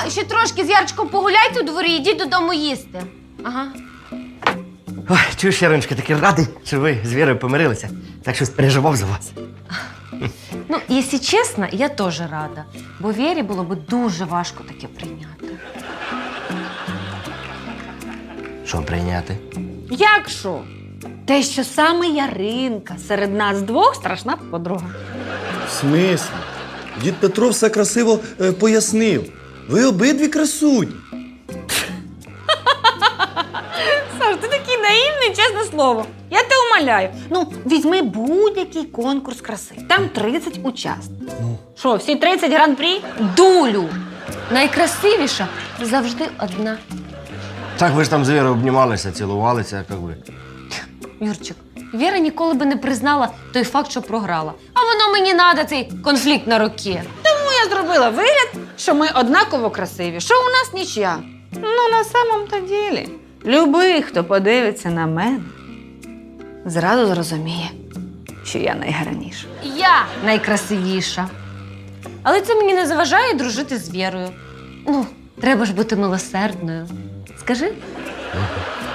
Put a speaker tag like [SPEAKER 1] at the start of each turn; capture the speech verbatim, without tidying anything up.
[SPEAKER 1] ще трошки з Ярчиком погуляйте у дворі, йдіть додому їсти. Ага.
[SPEAKER 2] Ой, чуєш, Яриночка, такий радий, що ви з Вірою помирилися. Так щось переживав за вас.
[SPEAKER 1] Ну, якщо чесно, я теж рада. Бо Вірі було б дуже важко таке прийняти.
[SPEAKER 2] Що прийняти?
[SPEAKER 3] Як що? Те, що саме Яринка серед нас двох страшна подруга.
[SPEAKER 4] В смислі? Дід Петро все красиво е, пояснив. Ви обидві красуні.
[SPEAKER 3] Саш, ти такий наївний, чесне слово. Я тебе умоляю. Ну, візьми будь-який конкурс краси. Там тридцять учасників. Що, всі тридцять гран-прі?
[SPEAKER 1] Дулю! Найкрасивіша завжди одна.
[SPEAKER 2] Так ви ж там з Вірою обнімалися, цілувалися, як ви.
[SPEAKER 1] Юрчик, Віра ніколи би не признала той факт, що програла. А воно мені надо, цей конфлікт на руки.
[SPEAKER 3] Тому я зробила вигляд, що ми однаково красиві, що у нас нічия. Ну, на самом-то ділі, любий, хто подивиться на мене, зразу зрозуміє, що я найгарніша.
[SPEAKER 1] Я найкрасивіша. Але це мені не заважає дружити з Вірою. Ну, треба ж бути милосердною. Скажи?